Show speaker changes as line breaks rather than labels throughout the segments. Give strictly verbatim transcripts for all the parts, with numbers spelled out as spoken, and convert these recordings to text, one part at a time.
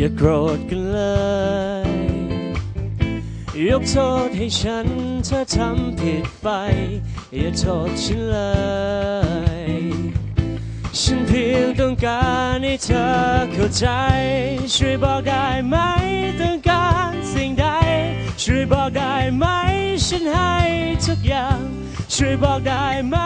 อย่าโกรธกันเลยยกโทษให้ฉันเธอทำผิดไปอย่าโทษฉันเลยฉันเพียงต้องการให้เธอเข้าใจช่วยบอกได้ไหมต้องการสิ่งใดช่วยบอกได้ไหมฉันให้ทุกอย่างช่วยบอกได้ไหม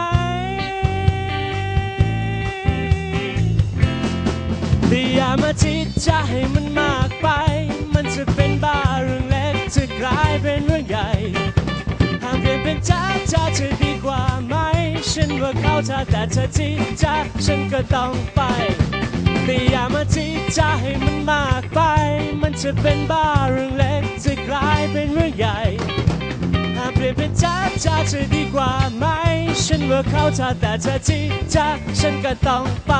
แต่อย่ามาจิตจะให้มันมากไปมันจะเป็นบ้าเรื่องเล็กจะกลายเป็นเรื่องใหญ่หากเปลี่ยนเป็นจ้าจ้าจะดีกว่าไหมฉันว่าเขาถ้าแต่เธอจิตจ้าฉันก็ต้องไปแต่อย่ามาจิตจะให้มันมากไปมันจะเป็นบ้าเรื่องเล็กจะกลายเป็นเรื่องใหญ่หากเปลี่ยนเป็นจ้าจ้าจะดีกว่าไหมฉันว่าเขาถ้าแต่เธอจิตจ้าฉันก็ต้องไป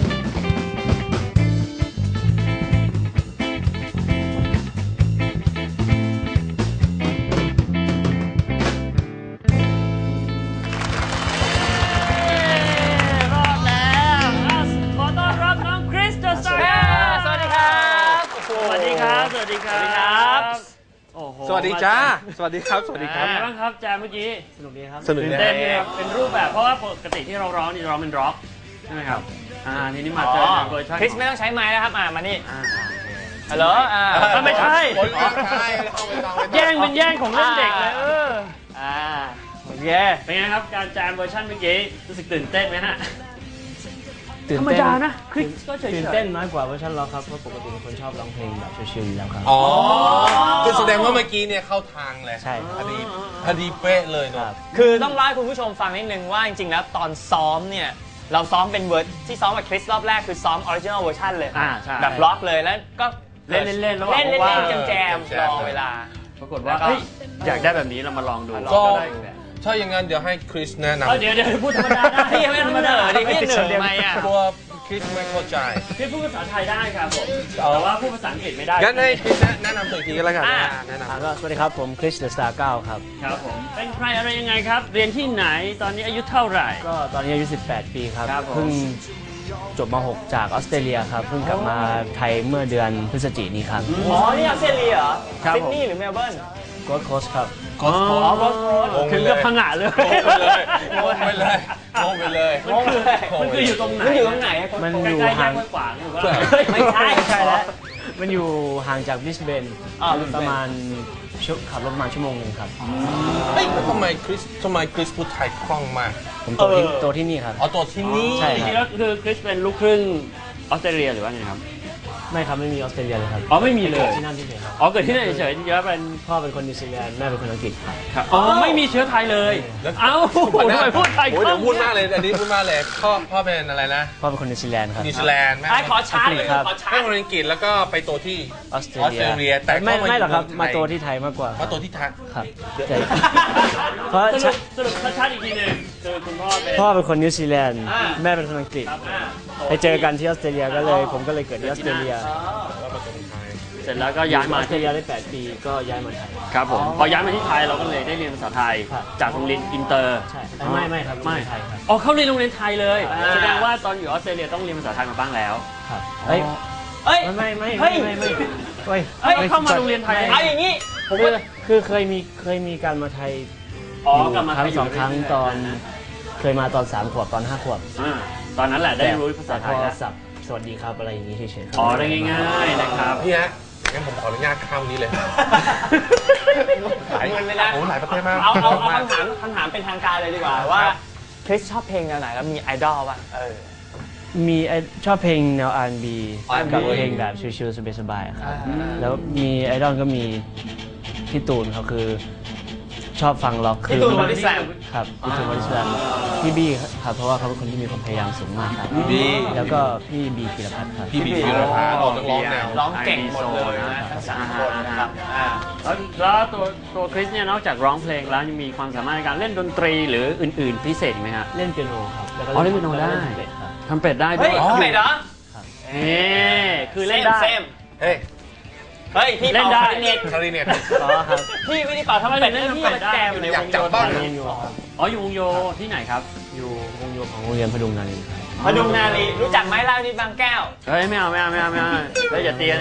สวัสดีครับโอ้โห
สวัสดีจ้าสวัสดีครับสวัสดีครับ
เป็นไงบ้างครับแจมเมื่อกี้
สนุกดีครับ
สนุกดี
เต้นครับเป็นรูปแบบเพราะว่าปกติที่เราร้องนี่ร้องเป็นร็อกใช่ไหมครับอ่าทีนี้มาเจอเวอร์ชัน
คริสไม่ต้องใช้ไม้แล้วครับอ่ามานี่ฮัลโหลอ่า
ไม่ใช่แย่งเป็นแย่งของเล่นเด็กเลยเออ
อ่าโอเค
เป็นไงครับการแจมเวอร์ชันเมื่อกี้รู้สึกตื่นเต้นไหมฮะ
ธร
รมดานะคริสก็เฉยๆ
ตื่นเต้นน้อยกว่าเวอร์ชันร็อกครับเพราะปกติเป็นคนชอบร้องเพลงแบบชิลๆอยู่แล้วครับ
อ๋อคือแสดงว่าเมื่อกี้เนี่ยเข้าทางเลย
ใช่
พอดีพอดีเป๊ะเลยเนาะ
คือต้องเล่าให้คุณผู้ชมฟังนิดนึงว่าจริงๆแล้วตอนซ้อมเนี่ยเราซ้อมเป็นเวอร์ที่ซ้อมกับคริสรอบแรกคือซ้อมออริจินอลเวอร์ชันเลยแบบร็อกเลยแล้วก็
เล่นเล่น
เล่นเล่นแจมๆรอเวลา
ปรากฏว่าอยากได้แบบนี้เรามาลองดู
ก็ถ้าอย่างนั้นเดี๋ยวให้คริสแนะนำ
เดี๋ยวเดี๋ยวพูดธรรมดาได้
พี่ไม่ธรรมดาดิพี่เหนื่อยไหมอ่ะ
ตัวคริสไม่เข้าใจ
พี่พูดภาษาไทยได้ครับผมแต่ว่าพูดภาษาอังกฤษไม่ได้
งั้นให้คริสแนะนำตัวทีก็แล้วกันแนะนำ
ก็สวัสดีครับผมคริสเดอะสตาร์เก้าครับ
ครับผมเป็นใครอะไรยังไงครับเรียนที่ไหนตอนนี้อายุเท่าไหร่
ก็ตอนนี้อายุสิบแปดปีครับเพิ่งจบม หก จากออสเตรเลียครับเพิ่งกลับมาไทยเมื่อเดือนพฤศจิกายนนี้ครับ
อ๋อนี่ออสเตรเลียเหรอซิดนีย์หรือเมลเบิร์น
โกลด์โคสต์ครับ
โกลด์โคสต์
ถึงกับพังงะเลย
งงไปเลยงงไปเลย
มันคืออยู่ตรงไหน
มันอยู่ตรงไหน
มันอยู่ห่าง
ไม่ใช่
ใช่แล้วมันอยู่ห่างจากบริสเบนประมาณขับรถมาชั่วโมงหนึ่งครับ
เฮ้ยทำไมคริสทำไมคริสพูดไทยคล่องมาก
ผมตัวที่ตัวที่นี่ครับ
อ๋อตัวที่นี่
ใช่
จริงๆแล้วคือคริสเป็นลูกครึ่งออสเตรเลียหรือว่าไงครับ
ไม่ครับไม่มีออสเตรเลียเลยครับ
อ๋อไม่มีเลย
ที่นั่นที่เฉยครับ
อ๋อเกิดที่นั่นเฉยๆเยอะเป็น
พ่อเป็นคนนิวซีแลนด์แม่เป็นคนอังกฤษ
ครับอ๋อไม่มีเชื้อไทยเลยเอ้าทำไมพูดไทย
โอ้ยเดี๋ยวพูดมากเลยอันนี้พูดมากเลยพ่อพ่อเป็นอะไรนะ
พ่อเป็นคนนิวซีแลนด์ครับ
นิวซีแลนด์แม่
ขอชาร์จเลยขอชาร์จ
แม่คนอังกฤษแล้วก็ไปโตที่
ออสเตรเลีย
แต่
ไม่ไม่หรอกครับมาโตที่ไทยมากกว่า
มาโตที่ไทย
ครับ
เพราะสรุปชัดๆอีกทีหนึ่งคือคุณพ่อเป็น
พ่อเป็นคนนิวซีแลนด์แม่เป็นคนอังกฤษไปเจอกันที่ออสเตรเลียก็เลยผมก็เลยเกิดที่ออสเตรเลีย
เสร็จแล้วก็ย้ายมา
ออสเตรเลียได้แปดปีก็ย้ายมาไทย
ครับผมพอย้ายมาที่ไทยเราก็เลยได้เรียนภาษาไทยจากโรงเรียนอินเตอร์
ใช่ไม่ไม่ครับไม่ไทยครับ
อ๋อเขาเรียนโรงเรียนไทยเลยแสดงว่าตอนอยู่ออสเตรเลียต้องเรียนภาษาไทยมาบ้างแล้ว
ครับเฮ้ย
เฮ้ย
ไม่ไม่ไม่ไม่ไม่
เฮ้ยเฮ้ยเข้ามาโรงเรียนไทย
เอาอย่างนี้
ผมคือเคยมีเคยมีการมาไทย
อ๋อกลับมา
ครั้งสองครั้งตอนเคยมาตอนสามขวบตอนห้าขวบ
ตอนนั้นแหละได้รู้ภาษาไทยแล้ว
สวัสดีครับอะไรอย่างนี้เฉย
ๆอ๋อได้ง่ายๆนะครับ
พี่ฮะงั้นผมขออนุญาตข้ามนี้เลย
หลายเงินไม่ได้
โอ้หลายประเทศมาก
เอาเอาคำถามคำถามเป็นทางการเลยดีกว่าว่าคริสชอบเพลงแนวไหนแล้วมีไอดอลป่ะเออ
มีชอบเพลงแนว อาร์ แอนด์ บี กับเพลงแบบชิลๆสบายๆครับแล้วมีไอดอลก็มีพี่ตูนเขาคือชอบฟังล็อก
คือพี่ตูนบอดี้สแลม
ครับพี่ตูนบอดี้สแลมพี่บี้ครับเพราะว่าเขาเป็นคนที่มีความพยายามสูงมากครับ
พี่บี้
แล้วก็พี่บีพีรพัฒน์ครับ
พี่บีพีรพัฒน์ร้องร้องแนว
ร้องเก่งหมดเลยนะทั้งสามคนนะครับ
แล้วตัวตัวคริสเนี่ยนอกจากร้องเพลงแล้วยังมีความสามารถในการเล่นดนตรีหรืออื่นๆพิเศษไหมครับ
เล่นเปียโนครับ
อ๋อเล่นเปียโนได้ทำเป็ดได้ด้วย
ทำเป็ดเหรอ
เอ๊คือเล่นได้
เฮ้ย
เฮ้ยพี่เล่นได้
คาริเนตคาริเนต
อ๋อครับ
พี่ไม่ได้เป่าทำไมเล่นพี่มาแจมอยู่ในวงโย
บ้าน
อ๋ออยู่วงโยที่ไหนครับ
อยู่วงโยของโรงเรียนพดุงนารี
พดุงนารีรู้จักไหมเล่าที่บางแก้ว
เฮ้ยไม่เอาไม่เอาไม่เอาไม่เอาเฮ้ยอย่าตีกันดิ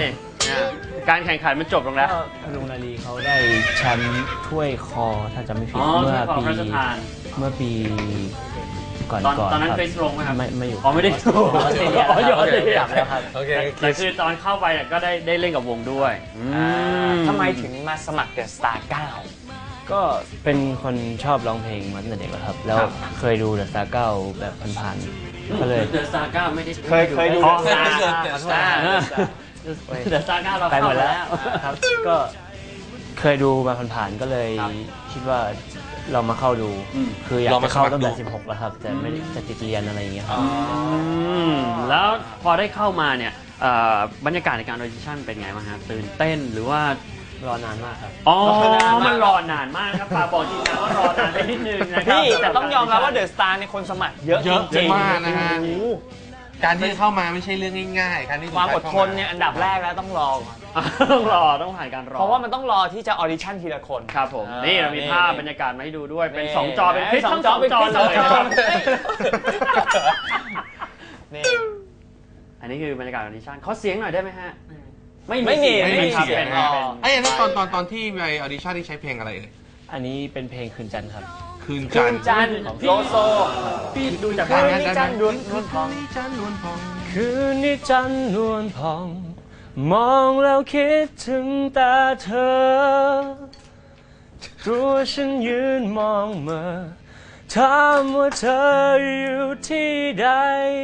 การแข่งขันมันจบลงแล้ว
ลุงนาลีเขาได้แชมป์ถ้วยคอถ้าจำไม่ผิด
อ๋อ
เมื่อ
ถ้วยคอ
ปี
พระราชทาน
เมื่อปีก่อน
ตอน
ก่อน
ตอนนั้น
ครับ
คริสลงไหมครับ
ไม่ไม่อยู่
อ๋อไม่ได้ลง
ออสเตรเลีย
อ๋ออยู่ออสเตรเลีย
กลับแล้วครับ
โอเค
แต่คือตอนเข้าไปเนี่ยก็ได้ได้เล่นกับวงด้วยอืม
ทำไมถึงมาสมัครเดอะสตาร์เก้า
ก็เป็นคนชอบร้องเพลงมาตั้งแต่เด็กแล้วครับ แล้วเคยดูเดอะสตาร์เก้าแบบผ่านๆก็เลย
เดอะสตาร์เก้าไม่ได้
เคยเคยดู
อ๋อ
The Star
เดอะสตาร์เดอะสตาร์เก้าเรา
ไปหม
เข้า
ด
มา
แล้ว
แล้ว
ครับ ก็เคยดูมาผ่านๆก็เลย
ครับ
คิดว่าเรามาเข้าดู
อืม
คืออยาก
ลอง
จะ
มา
เข้า
สมัคร
ตั้งแต่
ดู
สิบหกแล้วครับ แต่ไม่ได้จะติดเรียนอะไรอย่างเงี้ยครับ
อืมแล้วพอได้เข้ามาเนี่ยเอ่อบรรยากาศในการออดิชั่นเป็นไงบ้างฮะตื่นเต้นหรือว่าร
อนานมากครับ
อ๋อมันรอนานมากนะครับฝากบอกทีมงานว่ารอนานไปนิดนึงนะครับ
พี่แต่ต้องยอมรับว่าเดอะสตาร์ในคนสมัครเยอะ
เยอะ
จริง
มากนะฮะ
โอ้โห
การที่จะเข้ามาไม่ใช่เรื่องง่ายๆการที่
ความอดทนเนี่ยอันดับแรกแล้วต้องรอก่อน
ต้องรอต้องผ่านการรอ
เพราะว่ามันต้องรอที่จะออดิชั่นทีละคน
ครับผม
อ่า
นี่เรามี
นี่
ภาพบรรยากาศมาให้ดูด้วยเป็น
นี่
สองจอเป็นคลิป
สอง
ทั้ง
จ
ส
อ
อง
เป็น
จอ
คลิป
เลย
สองจอ
นะครับ
นี่
อันนี้คือบรรยากาศออดิชั่นขอเสียงหน่อยได้ไหมฮะ ไม่
ไม่มี
เสียง
ไม่มี
ครับ
เสียง
เป็น
อ๋อ
เป็น
ไอ้ยอันนั้นตอนตอนตอนที่ไปออดิชั่นที่ใช้เพลงอะไรเอ่ย
อันนี้เป็นเพลงคืนจันทร์ครับ
คืน
คื
จัน
น
ทร์
จันทร์โลโซ
พี่ดูจาก
คื
ภาพ
น
นี้
นี้จันทร์นวลนวลทอง
คืนนี้จันทร์นวลทอง
คืนนี้จันทร์นวลพอง มองแล้วคิดถึงแต่เธอ ตัวฉันยืนมองเมื่อถามว่าเธออยู่ที่ใด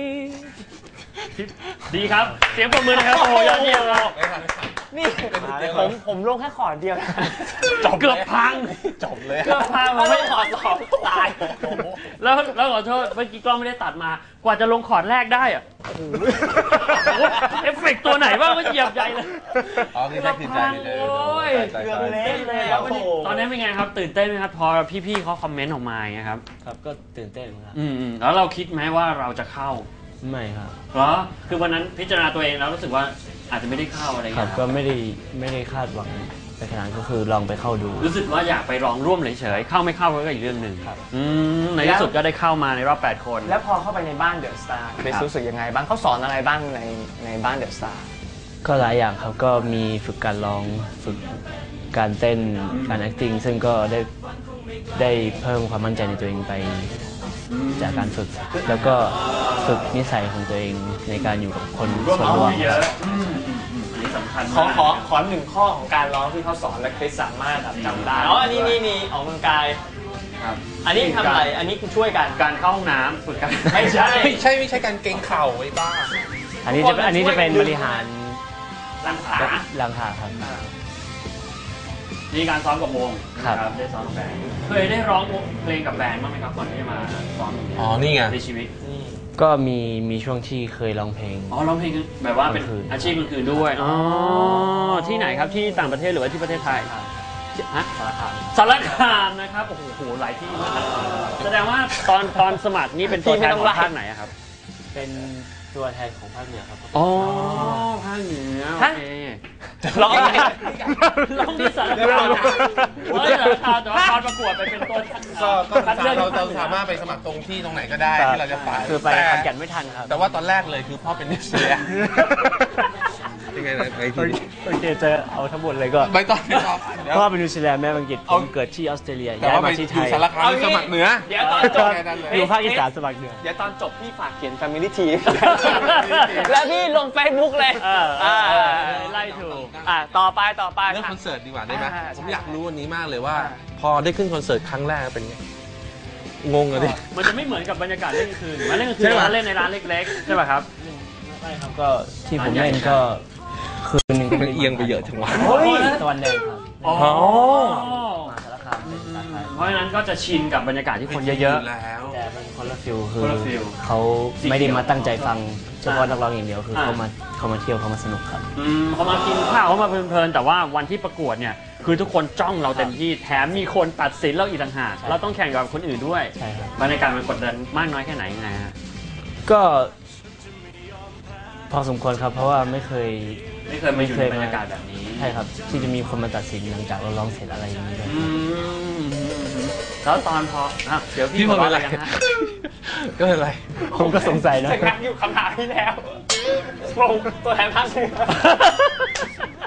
ดีครับ เสียงปรบมือนะครับโอ้โหยอดเยี่ยมครับ
นี่ผมผมลงแค่ขอร์ดเดียวนะ
จบเกือบพัง
จบเลย
เกือบพัง
มั
มัน น
ไม่
ไม่
ขอร์ดสองตาย
แล้วแล้วขอโทษเมื่อกี้กล้องไม่ได้ตัดมา กว่าจะลงคอร์ดแรกได้อะโอ้โหเอฟเฟกต์ตัวไหนบ้างก็เหยียบใหญ่เลย
อ๋อคือแค่คืนจันทร์เลย
โอ้ย
ใช่
เกือบ
ใช่
เละเลย
แล้ว
โอ้โห
ตอนนี้เป็นไงครับ ตื่นเต้นไหมครับ พอพี่ๆเขาคอมเมนต์ออกมาอย่างเงี้ยครับ
ครับก็ตื่นเต้นครับ
อืมๆแล้วเราคิดไหมว่าเราจะเข้า
ไม่ครับ
เหรอคือวันนั้นพิจารณาตัวเองแล้วรู้สึกว่าอาจจะไม่ได้เข้าอะไร
ครั
เงี้
บ
ย
ก็ไม่ได้ไม่ได้คาดหวังไปขนาดนั้นก็คือลองไปเข้าดู
รู้สึกว่าอยากไปลองร่วมเฉยๆเข้าไม่เข้าก็อีกเรื่องหนึ่ง
ครับ
อืมในที่สุดก็ได้เข้ามาในรอบแปดคน
แล้วพอเข้าไปในบ้านเดอะสตาร์เบสรู้สึกยังไงบ้างเขาสอนอะไรบ้างในในบ้านเดอะสตาร์
ก็หลายอย่างครับก็มีฝึกการร้องฝึกการเต้นการ acting ซึ่งก็ได้ได้เพิ่มความมั่นใจในตัวเองไปจากการฝึก แล้วก็ฝึกนิสัยของตัวเองในการอยู่กับคนส่วนรวม
เยอะอืมอืมอันนี้สำคัญ
ขอ
มาก
ขอขอหนึ่งข้อของการร้องที่เขาสอนและคริสสามารถแบบจำได้อ๋ออันนี้นี่นี่ออกกำลังกาย
ครับ
อันนี้ทำอะไร อันนี้คือช่วยกัน
การเข้าห้องน้ำฝึกการ
ไม่ใช่
ไม่ใช่ไม่ใช่การเกรงเข่าไอ้บ้า
อันนี้จะอันนี้จะเป็นบริหาร
ลังขา
หลังขาครับ
มีการซ้อมกับวง
ครับ
นะได้ซ้อมกับแบนด์เคยได้ร้องเพลงกับแบนด์บ้างไหมครับก่อนที่จะมาซ้อม
อ๋อนี่ไง
ในชีวิต
ก็มีมีช่วงที่เคยร้องเพลง
อ๋อร้องเพลงแบบว่าเป็น
กลางคืน
อาชีพกลางคืนด้วยอ๋อที่ไหนครับที่ต่างประเทศหรือว่าที่ประเทศไทยฮะ
สารคาม
สารคามนะครับโอ้โหหลายที่มากแสดงว่าตอนตอนสมัครนี่เป็นตัวแทนของภาคไหนอะครับ
เป็นตัวแทนของภาคเหนือครับ
อ๋อภาคเหนือโอเค
ร้องอะไร
ร้องที่สารคามเฮ้ยสารคามแต่ว่าตอนประกวดไปเป็นตัวแทน
ก็ก็
คัดเลือก
เราเราสามารถไปสมัครตรงที่ตรงไหนก็ได้ที่เราจะไป
คือไป
แต่
ขอนแก่นไม่ทันครับ
แต่ว่าตอนแรกเลยคือพ่อเป็นนิวซีแลนด์ยังไงนะไปทีนี้
โอเคเจอเอาทั้งหมดเลยก็
ไปต่อไปต่อเดี๋ยว
พ่อเป็นนิวซีแลนด์แม่เป็นอังกฤษผมเกิดที่ออสเตรเลีย
แต่
ย้าย
ว่าไป
มาที่
อ
ไท
ยู่
ย
สารคามสมัครเหนือ
เดี๋ยวตอนจบ
แค่นั้นเลย
อยู่ภาคอีสานสมัครเหนือ
เดี๋ยวตอนจบพี่ฝากเขียน Family Tea แล้วพี่ลง Facebook เลย
เออเออเออไล่ถูก
อ่ะต่อไปต่อไป
เรื่อง
ค่ะ
คอนเสิร์ตดีกว่าได้ไหม
อ่า
ผม
ใช่
อยากรู้วันนี้มากเลยว่า พอได้ขึ้นคอนเสิร์ตครั้งแรกเป็นไงงงอะดิ
มันจะไม่เหมือนกับบรรยากาศเล่นกลางคืนมาเล่นกลางคื
ใช่
น
ปะ
ร้านเล่นในร้านเล็กๆใช่ป่ะครับ
ไม่ครับก็ที่ผมเล่นก็คืนหนึงก็
มันเอียงไปเยอะจังวะ
โอ้ยตะวันแดงครับ
อ๋อ
มาสารคามเป็นสาขา
เพราะฉะนั้นก็จะชินกับบรรยากาศที่คนเยอะ
แล้ว
แต่เป็นคนละฟิลคือ
คนละฟิล
เขาไม่ได้มาตั้งใจฟังเฉพาะนักร้องอย่างเดียวคือ
อ่า
เขามาเขามาเที่ยวเขามาสนุกครับ
ๆอืมเขามากินข้าวเขามาเพลินๆแต่ว่าวันที่ประกวดเนี่ยคือทุกคนจ้องเราเต็มที่แถมมีคนตัดสินเราอีกต่างหาก
ใช่
เราต้องแข่งกับคนอื่นด้วย
ใช่ครับ
บรรยากาศมันกดดันมากน้อยแค่ไหนยังไงฮะ
ก็ พอสมควรครับ เพราะว่าไม่เคย
ไม่เคยมาอยู่ในบรรยากาศแบบนี้
ใช่ครับ ที่จะมีคนมาตัดสินหลังจากเราร้องเสร็จอะไรอย่างนี้ด้วย
อืมแล้วตอนพออ่ะเดี๋ยวพี่
พี่
ข
พ
อ
อ
ร้
เป็
อน ง
ไร
อะไรกันฮะ
ก็เป็นไร
ผมก็สงสัยนะ
จะงักอยู่คำถามที่แล้วงงตัวแทนภาคเหนือ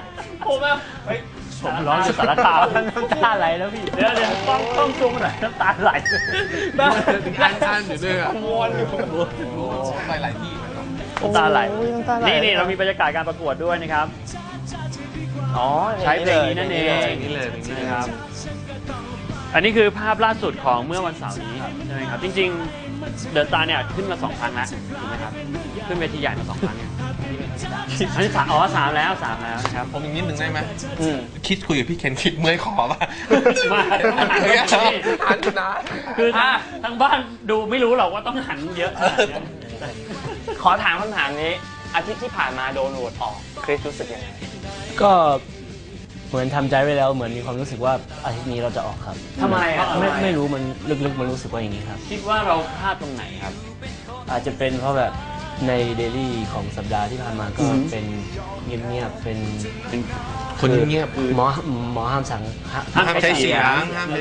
ผมอะผมร้องอยู่สารคามน้ำตาไหลแล้วพี่เดี๋ยวเดี๋ยวต้องต้องซูมหน่อยน้ำตาไหล
อ่านอ่านอยู่ด้วยอ่ะวนอยู่ไปหลายที่
น้ำตาไหลนี่นี่เรามีบรรยากาศการประกวดด้วยนะครับอ๋อใช้เพลงนี้นั่นเอง
นี่เลย
นะครับอันนี้คือภาพล่าสุดของเมื่อวันเสาร์นี้ใช่ไหมครับจริงๆเดอะสตาร์เนี่ยขึ้นมาสองครั้งแล้วถูกไหมครับขึ้นเวทีใหญ่มาสองครั้งเนี่ยอันนี้สามอ๋อสามแล้วสามแล้วครับ
ผมอีกนิดนึงได้ไหมคิดคุยกับพี่เคนคิดเมื่อยคอป่ะ
มา
หันนะ
คือทางบ้านดูไม่รู้หรอกว่าต้องหันเยอะ
ขอถามคำถามนี้อาทิตย์ที่ผ่านมาโดนโหวตออกคริสรู้สึกยังไง
ก็เหมือนทำใจไว้แล้วเหมือนมีความรู้สึกว่าอาทิตย์นี้เราจะออกครับ
ทำไมอ่ะ
ไม่ไม่รู้มันลึกๆมันรู้สึกว่าอย่างนี้ครับ
คิดว่าเราพลาดตรงไหนครับ
อาจจะเป็นเพราะแบบในเดลี่ของสัปดาห์ที่ผ่านมาก็เป็นเงียบๆเป็น
คนเงียบ
หมอหมอห้ามสั่ง
ห้ามใช้เสียงห้าม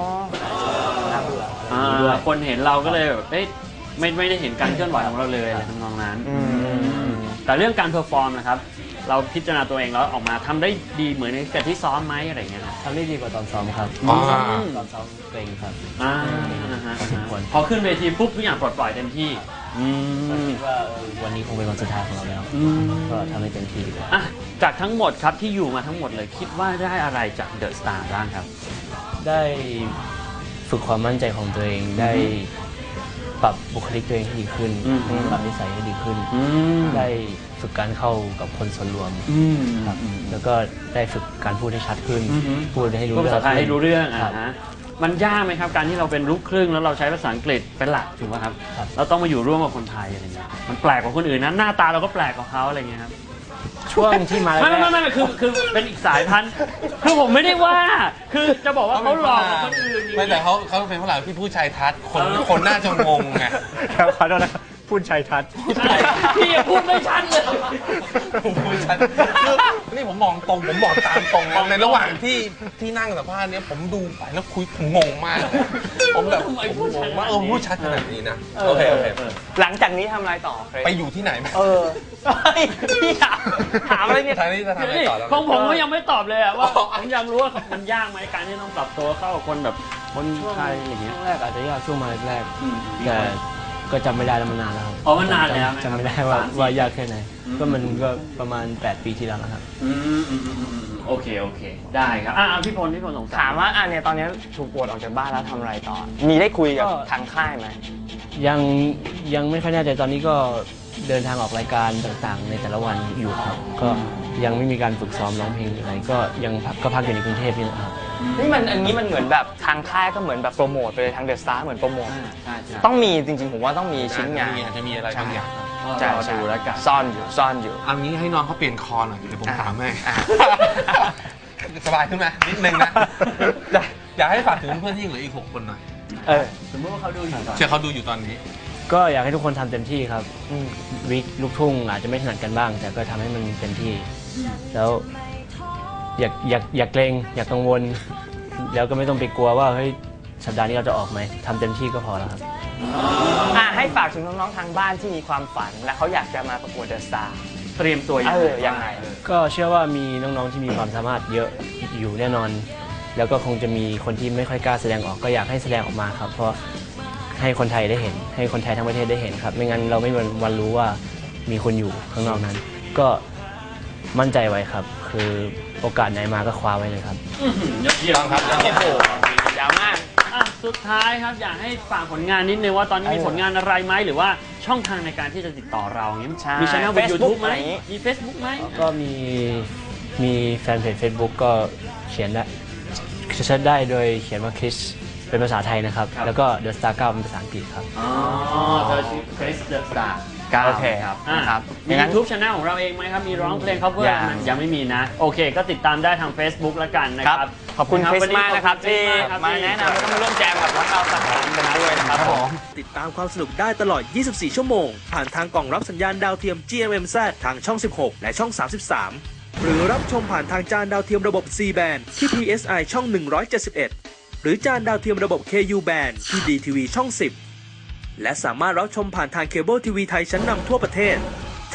ด้วยคนเห็นเราก็เลยแบบเอ๊ะไม่ไม่ได้เห็นการเคลื่อนไหวของเราเลยอะไรทำนองนั้นแต่เรื่องการเพอร์ฟอร์มนะครับเราพิจารณาตัวเองแล้วออกมาทำได้ดีเหมือนกับที่ซ้อมไหมอะไรเงี้ย
ทำได้ดีกว่าตอนซ้อมครับตอนซ้อมเกรงครับ
พอขึ้นเวทีปุ๊บทุกอย่างปลดปล่อยเต็มที่
คิดว่าวันนี้คงเป็นวันสุดท้ายของเราแล้วก็ทำให้เต็มที่
อ่ะจากทั้งหมดครับที่อยู่มาทั้งหมดเลยคิดว่าได้อะไรจากเดอะสตาร์บ้างครับ
ได้ฝึกความมั่นใจของตัวเองได้ปรับบุคลิกตัวเองให้ดีขึ้นปรับนิสัยให้ดีขึ้นได้ฝึกการเข้ากับคนส่วนรวมครับแล้วก็ได้ฝึกการพูดให้ชัดขึ้นพูดให้รู้เรื่อง
ภาษาไทยให้รู้เรื่องอ่ะฮะมันยากไหมครับการที่เราเป็นลูกครึ่งแล้วเราใช้ภาษาอังกฤษเป็นหลักถูกไหมครับเราต้องมาอยู่ร่วมกับคนไทยอะไรเงี้ยมันแปลกกว่าคนอื่นนะหน้าตาเราก็แปลกกว่าเขาอะไรเงี้ยครับ
ช่วงที่มา
ไม่ไม่ไม่คือคือเป็นอีกสายพันธุ์คือผมไม่ได้ว่าคือจะบอกว่าเขาหลอกคนอื่น
ไม่แต่เขาเขาเป็นฝรั่งที่พูดชายทัศน์คนคนน่าจะงงไง
ครับขอโทษนะพูดชัยทัศน์
พี่พูดไม่ชัดเลย
พูดชัดนี่ผมมองตรงผมบอกตามตรงในระหว่างที่ที่นั่งสัมภาษณ์นี้ผมดูไปแล้วคุยผมงงมากผมแบบงงว่าเออพูดชัดขนาดนี้นะโอเคโอเค
หลังจากนี้ทำอะไรต่อ
ไปอยู่ที่ไหนไหม
เออพี่ถามถามอะไรเนี่ย
ทางนี้จะทำอะไรต่อแล้ว
ของผมก็ยังไม่ตอบเลยว่าผมยังรู้ว่ามันยากไหมการที่ต้องปรับตัวเข้ากับคนแบบคนไทยอย่างเงี้ย
แรกอาจจะยากช่วงมาแรกแต่ก็จำไม่ได้แล้วมันนานแล้วครับ
อ๋อมันนานแล้ว
จำไม่ได้ว่าว่ายากแค่ไหนก็มันก็ประมาณแปดปีที่แล้วนะครับ
อืมอืมอืมโอเคโอเคได้ครับอ่าพี่พลพี่พลสงสัย
ถามว่าอ่ะเนี่ยตอนนี้ถูกปลดออกจากบ้านแล้วทำอะไรต่อมีได้คุยกับทางค่ายไหม
ยังยังไม่ค่อยแน่ใจตอนนี้ก็เดินทางออกรายการต่างๆในแต่ละวันอยู่ครับก็ยังไม่มีการฝึกซ้อมร้องเพลงอะไรก็ยังก็พักอยู่ในกรุงเทพนี่นะครับ
นี่มันอันนี้มันเหมือนแบบทางค่ายก็เหมือนแบบโปรโมทไปเลยทางเดอะสตาร์เหมือนโปรโมทต้องมีจริงๆผมว่าต้องมีชิ้นงาน
อาจจะมีอะไรบางอย่าง
จะดูแล้วกัน
ซ่อนอยู่ซ่อนอยู่
เอางี้ให้น้องเขาเปลี่ยนคอหน่อยเดี๋ยวผมถามให้สบายขึ้นไหมนิดนึงนะอยากให้ฝากถึงเพื่อนที่เหลืออีกหกคนหน่อย
เออ
สมมติว่าเขาดูอยู่
เชื่อเขาดูอยู่ตอนนี้
ก็อยากให้ทุกคนทำเต็มที่ครับวิกลูกทุ่งอาจจะไม่ถนัดกันบ้างแต่ก็ทำให้มันเต็มที่แล้วอย่าอย่าอย่าเกรงอย่ากังวลแล้วก็ไม่ต้องไปกลัวว่าเฮ้ยสัปดาห์นี้เราจะออกไหมทำเต็มที่ก็พอแล้วครับ
อ่าให้ฝากถึงน้องๆทางบ้านที่มีความฝันและเขาอยากจะมาประกวดเดอะสตาร์
เตรียมตัว
ยังไง
ก็เชื่อว่ามีน้องๆที่มีความสามารถเยอะอยู่แน่นอนแล้วก็คงจะมีคนที่ไม่ค่อยกล้าแสดงออกก็อยากให้แสดงออกมาครับเพราะให้คนไทยได้เห็นให้คนไทยทั้งประเทศได้เห็นครับไม่งั้นเราไม่มีวันรู้ว่ามีคนอยู่ข้างนอกนั้นก็มั่นใจไว้ครับคือโอกาสไหนมาก็คว้าไว้เลยครับ
ยอดเยี่ยมครับโอ้โห
ยาวมาก
สุดท้ายครับอยากให้ฝากผลงานนิดนึงว่าตอนนี้มีผลงานอะไรไหมหรือว่าช่องทางในการที่จะติดต่อเราอย่างนี้มีช่องบน ยูทูบ ไหมมี Facebook ไหม
ก็มีมีแฟนเพจ Facebook ก็เขียนได้เชิญได้โดยเขียนว่าคริสเป็นภาษาไทยนะครับแล้วก็เดอะสตาร์เก้าเป็นภาษาอังกฤษครับ
อ๋อเธอชื่อคริสเดอะสตาร์เก้าครับครับมี ยูทูบ Channel ของเราเองไหมครับมีร้องเพลง cover ยังไม่มีนะโอเคก็ติดตามได้ทาง Facebook แล้วกันนะครับ
ขอบคุณคริสมากนะครับที่มาแนะนำแล้วก็มาร่วมแจมกับพวกเราสักครั้งกันด้วยนะครับผม
ติดตามความสนุกได้ตลอดยี่สิบสี่ชั่วโมงผ่านทางกล่องรับสัญญาณดาวเทียม จี เอ็ม เอ็ม แซด ทางช่องสิบหกและช่องสามสิบสามหรือรับชมผ่านทางจานดาวเทียมระบบ ซี แบนด์ ที่ พี เอส ไอ ช่องหนึ่งร้อยเจ็ดสิบเอ็ดหรือจานดาวเทียมระบบ เค ยู แบนด์ ที่ ดี ที วี ช่องสิบและสามารถรับชมผ่านทางเคเบิลทีวีไทยชั้นนำทั่วประเทศ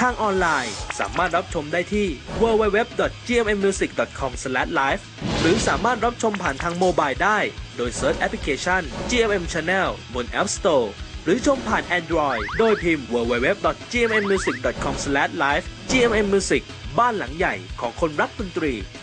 ทางออนไลน์สามารถรับชมได้ที่ ดับเบิลยู ดับเบิลยู ดับเบิลยู ดอท จี เอ็ม เอ็ม มิวสิก ดอท คอม สแลช ไลฟ์ หรือสามารถรับชมผ่านทางโมบายได้โดยเซิร์ชแอปพลิเคชัน จี เอ็ม เอ็ม Channel บน App Store หรือชมผ่าน Android โดยพิมพ์ ดับเบิลยู ดับเบิลยู ดับเบิลยู ดอท จี เอ็ม เอ็ม มิวสิก ดอท คอม สแลช ไลฟ์ จี เอ็ม เอ็ม Music บ้านหลังใหญ่ของคนรักดนตรี